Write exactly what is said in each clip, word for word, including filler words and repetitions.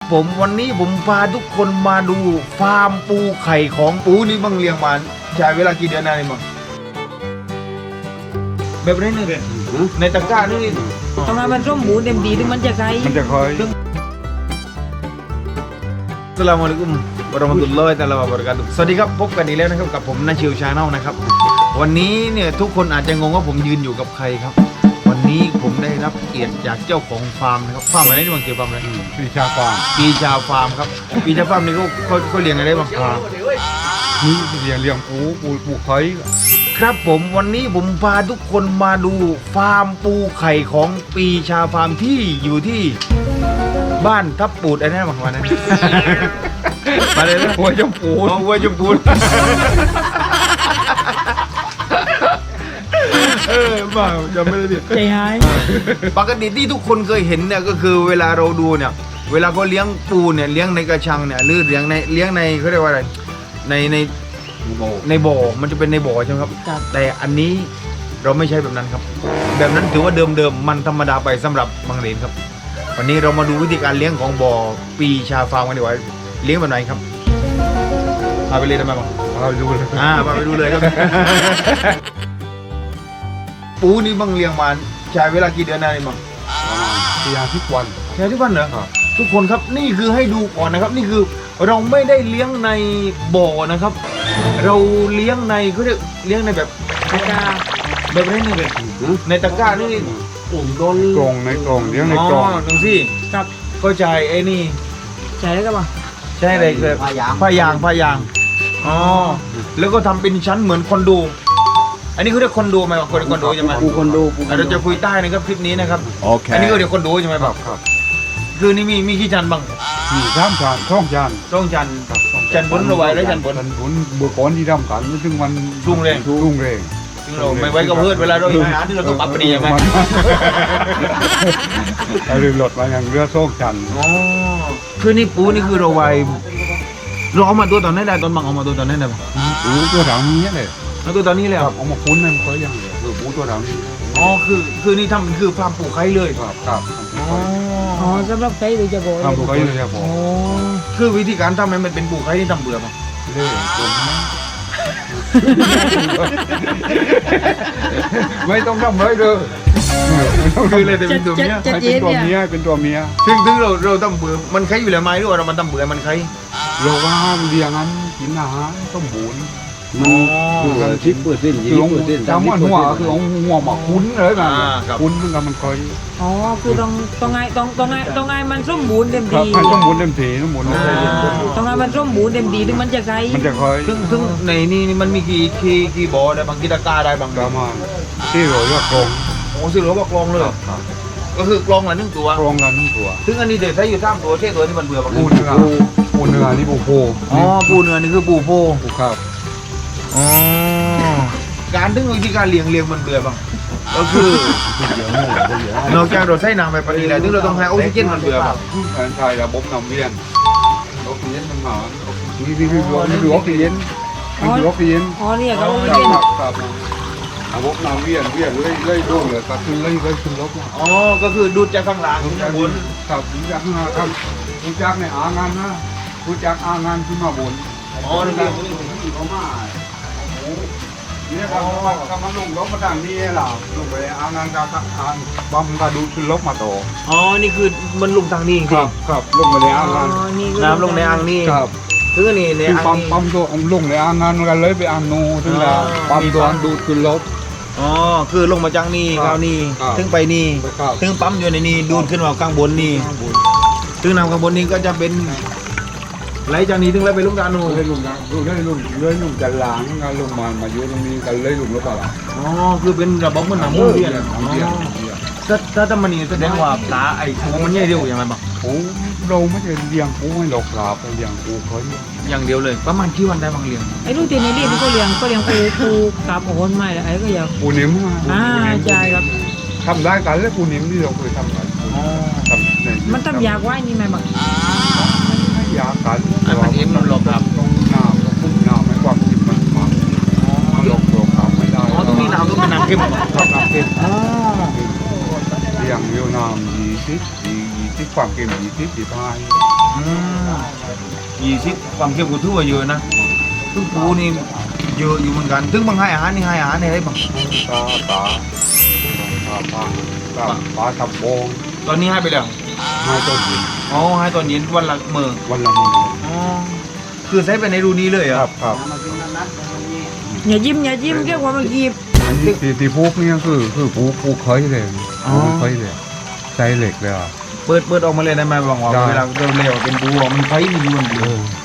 ผมวันนี้ผมพาทุกคนมาดูฟาร์มปูไข่ของปูนี่บังเลี้ยงมาใช้เวลากี่เดือนนานนี่มั้งแบบนี้นี่เลยในตะกร้านี่ทำไมมันร่มหมูเต็มดีถึงมันจะไกลมันจะคอยอัสสลามุอะลัยกุมวะเราะมะตุลลอฮิตะอาลาวะบะเราะกาตุฮ์สวัสดีครับพบกันอีกแล้วนะครับกับผมนาชิวชาแนลนะครับวันนี้เนี่ยทุกคนอาจจะงงว่าผมยืนอยู่กับใครครับวันนี้ผมได้รับเกียรติจากเจ้าของฟาร์มนะครับฟาร์มอะไรนี่มันเกี่ยวกับฟาร์มอะไรปีชาฟาร์มปีชาฟาร์มครับปีชาฟาร์มนี่เขาเขาเขาเลี้ยงอะไรบ้างครับนี่เลี้ยงเลี้ยงปูปูปูไข่ครับผมวันนี้ผมพาทุกคนมาดูฟาร์มปูไข่ของปีชาฟาร์มที่อยู่ที่บ้านทับปูดอะไรนั่นประมาณนั้น มาเลยนะหัวจมปูอ๋อวัวชมพูเออบ้าจำไม่ได้ดิใจหายปกติที่ทุกคนเคยเห็นเนี่ยก็คือเวลาเราดูเนี่ยเวลาเขาเลี้ยงปูเนี่ยเลี้ยงในกระชังเนี่ยหรือเลี้ยงในเลี้ยงในเขาเรียกว่าอะไรในในโบในบ่อมันจะเป็นในบ่อใช่ไหมครับครับแต่อันนี้เราไม่ใช่แบบนั้นครับ แบบนั้นถือว่าเดิมๆมันธรรมดาไปสำหรับบางเหรียญครับ วันนี้เรามาดูวิธีการเลี้ยงของบ่อปีชาฟาร์มกันดีกว่าเลี้ยงแบบไหนครับพาไปเลยทำไมบ้างเราดูเลยอ่าพาไปดูเลยครับ ปูนี่บังเลี้ยงมาใช้เวลากี่เดือนนานนี่บ้างประมาณสี่อาทิตย์วันใช้ทุกวันเหรอครับทุกคนครับนี่คือให้ดูก่อนนะครับ นี่คือเราไม่ได้เลี้ยงในบ่อนะครับ เราเลี้ยงในเขาเรียกเลี้ยงในแบบตะกร้าแบบนี้นี่เลยในตะกร้านี่โอ่งโดนกรงในกรงเลี้ยงในอ๋อกรงตรงสิกับก็ใจไอ้นี่ใจแล้วก็บ่ใช่อะไรคือผ้ายางผ้ายางผ้ายางอ๋อแล้วก็ทำเป็นชั้นเหมือนคอนโดอันนี้เขาเรียกคอนโดไหมคนคอนโดใช่ไหมปูคอนโดปูเราจะคุยใต้นะครับคลิปนี้นะครับโอเคอันนี้ก็เรียกคอนโดใช่ไหมคแบรับบ ครับคือนี่มีมีกี่ชั้นบ้างมีสามจานช่องจานต้องชั้นครับช่องชั้นบนเราไว้แล้วชั้นบนชั้นบนเมื่อก่อนที่ทำกันซึ่งมันรุ่งเรืองรุ่งเรืองซึ่งเราไม่ไว้กับเพื่อนเวลาเราอาหารที่เราต้องปรับเปลี่ยนไหมเราลืมรถมาอย่างเรือโซ่จันอ๋อคือนี่ปูนี่คือเราไว้เราเอามาตัวตอนไหนได้ตอนบังเอามาตัวตอนไหนได้บ้างปูตัวถังนี้เลยเอาตัวตอนนี้เลยคเหรรัอบเอามาคุ้นมันเคยยังเลยคือปูตัวถังนี้อ๋อคือคือนี่ทำคือฟาร์มปูไข่เลยครับครับอ๋ออ๋อสำหรับใครโดยเฉพาะทำปูไข่เลยครับผอ๋อมคือวิธีการทำให้มันเป็นปูไข่ที่ทำเบื่อป่ะเล่ตรงนี้ไม่ต้องทำเลยเด้อไม่ต้องคือเลยแต่เป็นตัวเมียจะให้เย็เป็นนตัวเนี่ยเมียเป็นตัวเมียซึ่งถึงเราเราทำเบื่อมันไข่อยู่แล้วไหมหรือว่าเรามันทำเบื่อมันไข่เราว่าเลี้ยงอันกินอาหารต้องบุญอ๋อคือการชิปเปอร์เซ็นต์ยี่สิบเปอร์เซ็นต์จำว่าหัวคือเอาหัวมาคุ้นเลยนะคุ้นเหมือนกันมันคอยอ๋อคือต้องต้องไงต้องต้องไงต้องไงมันร่มหมูเต็มครับดีให้ต้องหมุนเต็มทีต้องหมุนเต็มทีต้องไงมันร่มหมูเต็มดีถึงมันจะไกลมันจะคอยซึ่งซึ่งในนี่นี่มันมีกี่กี่กี่บ่อได้บางกี่ตะกร้าได้บางประมาณที่เราเรียกกรงโอ้ซึ่งเราบอกกลองเลยครับก็คือกลองละหนึ่งตัวกรงละหนึ่งตัวซึ่งอันนี้เดี๋ยวใช้อยู่สามตัวเช่ตัวนี้มันเบื่อป่ะปูเนื้อปูเนื้อนี่ปูโพอ๋อปูเนื้อนี่คือปูโพปูครับอ๋อการถึงวิธีการเลี้ยงเลี้ยงมันเบื่อป่ะก็คือเดี๋ยวโม่เดี๋ยวนอกจากเราใช้น้ำไปปริแล้วถึงเราต้องให้ออกซิเจนมันเบื่อป่ะแทนไทยระบบน้ำเลี้ยงออกซิเจนมันหานี่นี่คือนี่คือออกซิเจนนี่คือออกซิเจนอ๋อเนี่ยเขาคเย็นรับครับระบบน้ำเวียนเวียนเลยเลยโดนเลยก็ขึ้นเลยเลยขึ้นลบอ๋อก็คือดูดจากข้างล่างขึ้นมาบนครับรู้จักนะครับรู้จักในอ่างงานนะรู้จักอ่างงานขึ้นมาบนอ๋อนี่นี่คือคือเขามาโอ้เนี่ยครับกำลังลงลบมาดังนี้ล่ะลงไปอ่างงานกับอ่างบัมกระดูขึ้นลบมาต่ออ๋อนี่คือมันลงทางนี้จริงครับครับลงไปในอ่างงานอ๋อนี่คือๆน้ำลงในอ่างนี่ครับถึงอันนี้ในคืออ่างปั๊มนี่ปั๊มตัวลงในอ่างงานกันเลยไปอ่างนูถึงแล้วอ๋อปั๊มตัวดูดขึ้นลบอ๋อคือลงมาจากนี่ครับเข้านี่ครับถึงไปนี่ครับถึงปั๊มอยู่ในนี่ดูดขึ้นมาข้างบนนี่ถึงน้ำข้างบนนี่ก็จะเป็นไหลจากนี้ถึงแล้วไปลุกดานูเลยลุงนะเลยลุงเลยลุงจะล้างงานลงมามาอยู่ตรงนี้กันเลยลุงแล้วก็ล่ะอ๋อคือเป็นระบบเหมันหนังมุ้งเวียนน้ำเวียนอ๋อน้ำเวียนถ้าถ้าทำมันนี่แสดงว่าปลาไอ้ปูมันใหญ่เดียวอย่างไรบ้างโอ้เราไม่ได้เลี้ยงปูให้หลอกหลาบไปเลี้ยงปูเขาอยู่อย่างเดียวเลยประมาณกี่วันได้บางเลี้ยงไอ้ลูกตีนนี่ที่เขาเลี้ยงก็เลี้ยงปูปูกับโอนไม่แล้วไอ้ก็อยากปูนิ่มอ่าใช่ครับทำได้กันแล้วปูนิ่มที่เราเคยทำกันอ๋อทำในมันทำยากไว้นี่ไหมบังไม่ยากกันอันมันเอ็มมันหลอกครับต้องน้ำต้องพุ่งน้ำให้ความจิบมันมาหลอกหลอกน้ำไม่ได้อ๋อต้องมีน้ำต้องเป็นน้ำเข้มเหรอครับน้ำเค็มอ๋อเลี้ยงเวียดนามยี่สิบสี่ยี่ที่ความเค็มยี่สิบสี่ห้ายี่สิบความเข้มก็ถือว่าเยอะนะซึ่งปูนี่เยอะอยู่เหมือนกันซึ่งบางให้อาหารนี่ให้อาหารในอะไรบ้างปลาปลาปลาปลาปลาปลาทับโบงตอนนี้ให้ไปแล้วให้ต้นหินอ๋อให้ตอนเย็นวันละเมื่อวันละมื้ออ๋อคือใช้ไปในรูนี้เลยเหรคอ่ะรับครับอย่ายิ้มอย่ายิ้มเรียกว่ามันกีบอันนี้ที่ที่พูกเนี่ยคือคือปูปูเคยเลยปูเคยเลยใช้เหล็กเลยอ่ะเปิดเปิดออกมาเลยได้ไหมบางว่าได้เวลาเราเลี้ยวเป็นปูอ่ะมันไฟมันอยู่บนเดียว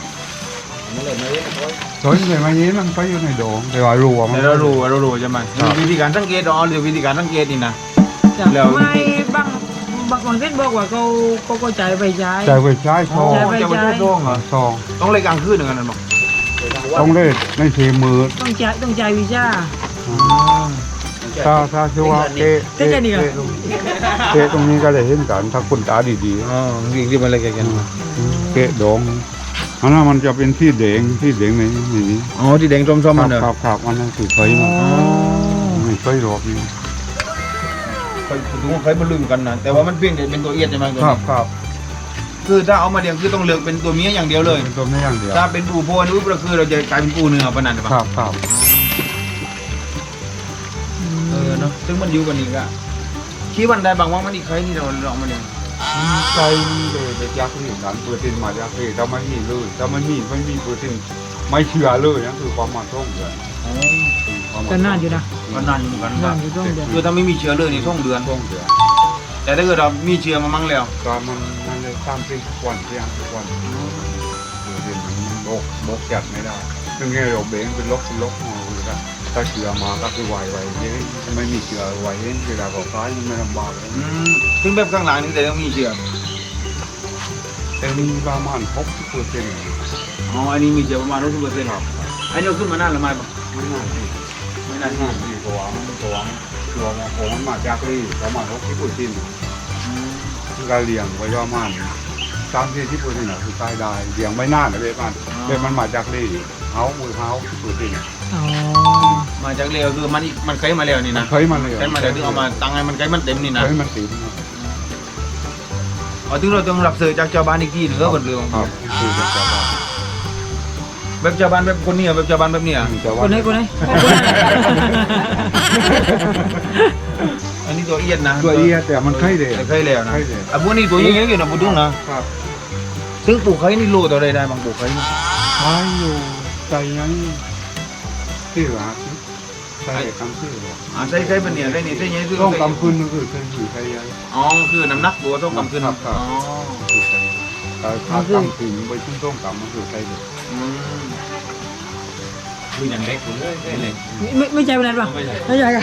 สวยเลยมาเนี้มันไปอยู่ในโดงแต่ว่ารัวมันแต่เรารู้เรารู้ใช่ไหมครับวิธีการสังเกตอ๋อหรือวิธีการสังเกตนี่นะ แล้วไม่บางบางบางเส้นบอกว่าเขาเขาก็จ่ายไปใช้ใจไว้ใช้ซองใช่จะไม่ใช่ช่วงเหรอซองต้องเลยกลางคืนหนึ่งกันนั่นบอกต้องเล่นในเทมือต้องจ่ายต้องจ่ายวีซ่าถ้าถ้าชื่อว่าเตะเตะนี่เหรอเตะตรงนี้ก็ได้เห็นกันถ้าคุณตาดีอ๋อจริงที่มันอะไรกันๆเตะดองอันนั้นมันจะเป็นที่แดงที่แดงในนี้อ๋อที่แดงส้มๆมันเหรอครับครับอันนั้นคือเคยมันไม่เคยหรอกนี่เคยดูเคยบรรลุกันนะแต่ว่ามันเพียงแต่เป็นตัวเอียดใช่ไหมตัวครันี้บครับคือถ้าเอามาเลี้ยงคือต้องเลือกเป็นตัวเมียอย่างเดียวเลยเป็นตัวไม่อย่างเดียวถ้าเป็นปูโพนปุ๊บก็คือเราจะกลายเป็นปูเนื้อปะนันใช่ปะครับครับเออเนาะซึ่งมันอยู่กันอีกอะชี้วันใดบางวันมันอีกใครที่เราลองมาเลี้ยงใจเลยจะยักษ์ที่นั้นเปิดตินมายักษ์ที่ถ้าไม่มีเลยถ้าไม่มีไม่มีเปิดตินไม่เชื่อเลยนั่นคือความมาท่องเดือนก็น่าอยู่นะก็นานอยู่เหมือนกันคน่ารับอยู่ต้องเดียวคือถ้าไม่มีเชื้อเลยนี่ท่องเดือนท่องเดือนแต่ถ้าเกิดเรามีเชื้อมามั่งแล้วก็มันมันเลยตามที่ทุกวันที่ยังทุกวันเปิดตินมันโรคโรคจัดไม่ได้ซึ่งไงเราเบ่งเป็นลกเป็นลกมองเลยนะถ้าเชื้อมาก็คือไวไวเย้ไม่มีเชื้อไวเย้เวลาเขาตายมันไม่ลำบากเลยอืมซึ่งแบบข้างหลังนี่แต่ต้องมีเชื้อแต่มีประมาณหกสิบเปอร์เซ็นต์อ๋ออันนี้มีเชื้อประมาณร้อยสิบเปอร์เซ็นต์อันนี้เอาขึ้นมานานหรือไม่ปะไม่น่าที่ไม่นานไม่น่าที่ตัวมันตัวมันตัวมันของมันมาจากนี่ประมาณหกสิบเปอร์เซ็นต์การเลี้ยงไว้ประมาณสามสี่สิบเปอร์เซ็นต์คือตายได้เลี้ยงไม่นานนะเว้ยมันเว้ยมันมาจากนี่เฮามือเฮาสิบเปอร์เซ็นต์อ๋อมาจากเร็วคือมันมันเคยมาแล้วนี่นะเคยมาเลยเคยมาแล้วถึงเอามาตั้งให้มันเคยมันเต็มนี่นะเคยมันติดอ๋อถึงเราต้องรับซื้อจากชาวบ้านอีกทีหนึ่งก็บนเรือของครัเขาบคือจะจะว่าแบบชาวบ้านแบบคนนี้แบบชาวบ้านแบบเนี้ยจะคว่านไหนคนไหนอันนี้ตัวเอียดนะตัวเอียแต่มันเคยเลยเคยแล้วนะเคยเลยอ่ะพวกนี้ตัวยังไงอยู่นะพูดถึงนะครับ ซึ่งปลูกไข่นี่โลตัวใดได้บางปลูกไข่นี่ใช้อยู่ใจยังที่หลักใช้คำชื่อหรออ่าใส่ไข่เป็นเนี่ยไข่นี่ใส่ยังไงคือต้องกำคืนก็คือใช้อยู่ใช้ยังอ๋อคือน้ำหนักตัวต้องกำขึ้นครับครับอ๋อคือใช้แต่ถ้ากำคืนไปชุ่มต้มกำมันคือใช้เลยอืมคืออย่างเล็กเลยเล็กไม่ไม่ใจเป็นไรป่ะไม่ใจกัน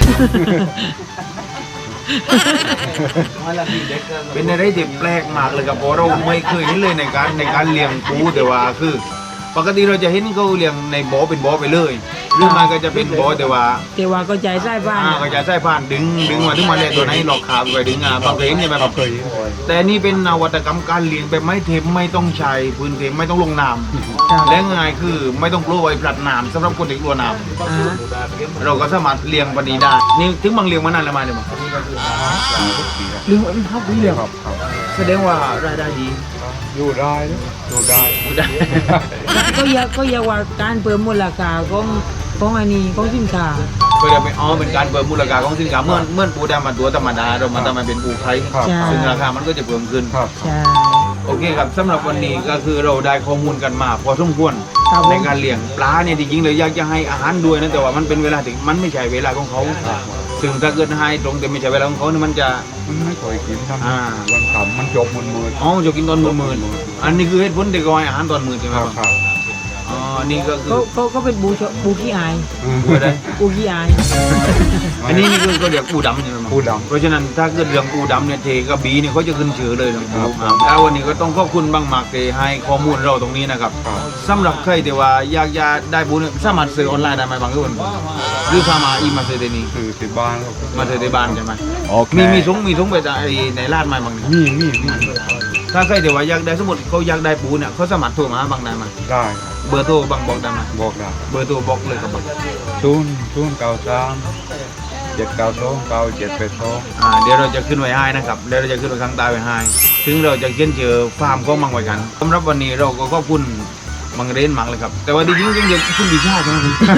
เป็นอะไรที่แปลกมากเลยครับเพราะเราไม่เคยเห็นเลยในการในการเลี้ยงปูแต่ว่าคือ ปกติเราจะเห็นเขาเลี้ยงในบ่อเป็นบ่อไปเลยหรือมันก็จะเป็นบ่อแต่ว่าแต่ว่าก็ใจใส่บ้านอ่าก็จะใส่ผ่านดึงดึงมาถึงมาเลยตัวไหนหลอกขาไปดึงอ่ะบางเคยเห็นใช่ไหมครับเคยเห็นแต่นี่เป็นนวัตกรรมการเลี้ยงแบบไม่เทมไม่ต้องใช้พื้นเทมไม่ต้องลงน้ครับำและง่ายคือไม่ต้องกลัวไอ้ปลัดน้ำสำหรับคนที่กลัวน้อ่าำเราก็สามารถเลี้ยงปฏิได้นี่ถึงบางเลี้ยงมานานแล้วมาเนี่ยมั้ง เลี้ยงมันเท่าปีเลยครับครับแสดงว่ารายได้ดีอยู่ได้อยู่ได้ได้ก็อยากก็อยากว่าการเพิ่มมูลค่าของของอันนี้ของสินค้าก็จะเป็นอ๋อเป็นการเพิ่มมูลค่าของสินค้าเมื่อเมื่อปูดำมาตัวธรรมดาเรามาทำมาเป็นปูไข่ครับซึ่งราคามันก็จะเพิ่มขึ้นครับใช่โอเคครับสำหรับวันนี้ก็คือเราได้ข้อมูลกันมาพอสมควรครับผมในการเลี้ยงปลาเนี่ยจริงๆเลยอยากจะให้อาหารด้วยนะแต่ว่ามันเป็นเวลาที่มันไม่ใช่เวลาของเขาซึ่งถ้าเกิดให้ตรงแต่ไม่ใช่เวลาของเขาเนี่ยมันจะมันไม่ค่อยกินทำอ่าวันขำมันจบมันมืดอ๋อจะกินตอนมืดๆอันนี้คือเหตุผลที่เขาให้อาหารตอนมืดใช่ไหมคครัรับบ ครับอ๋อนี่ก็คือเขาเขาเขาเป็นบูชบูขี้อายปูอะไรบูขี้อายอันนี้นี่คือเขาเรียกปูดำใช่ไหมครับปูดเพราะฉะนั้นถ้าเกิดเรื่องปูดำเนี่ยเทกับบีเนี่ยเขาจะขึ้นชื่อเลยนะคครัรับ บแล้ววันนี้ก็ต้องขอบคุณบางหมากที่ให้ข้อมูลเราตรงนี้นะครับครับสำหรับใครที่ว่าอยากจะได้ปูเนี่ยสามารถซื้อออนไลน์ได้ไหมบางคนหรือพามาอีมาซื้อได้นี่คือที่บ้านเรามาซื้อในบ้านใช่ไหมโอเคมีมีถุงมีถุงไปจากไอ้ในร้านไหมบางนี่มีมีมีถ้าใครที่ว่าอยากได้สมมติเขาอยากได้ปูเนี่ยเขาสามารถโทรมาหาบางได้ไหมได้ครับเบอร์โทรบางบอกได้ไหมบอกได้เบอร์โทรบอกเลยครับบางศูนย์ศูนย์เก้าสามเจ็ดเก้าสองเก้าเจ็ดแปดสองอ่าเดี๋ยวเราจะขึ้นไว้ให้นะครับเดี๋ยวเราจะขึ้นไว้ข้างใต้ไว้ให้ถึงเราจะเขียนเจอฟาร์มของมังไว้กันสำหรับวันนี้เราก็ขอบคุณมังเรนมังเลยครับแต่ว่าจริงๆจริงๆคุณวิชาใช่ไหม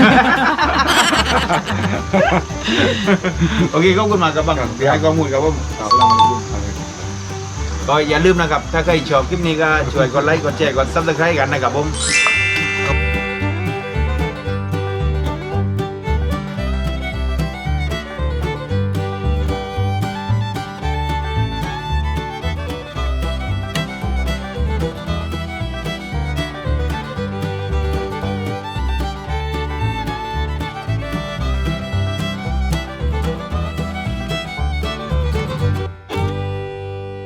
โอเคขอบคุณมากครับบังให้ข้อมูลครับผมเอาละมันรุ่งอะไรก็อย่าลืมนะครับถ้าใครชอบคลิปนี้ก็ช่วยกดไลค์กดแชร์กดซับสไครต์กันนะครับผม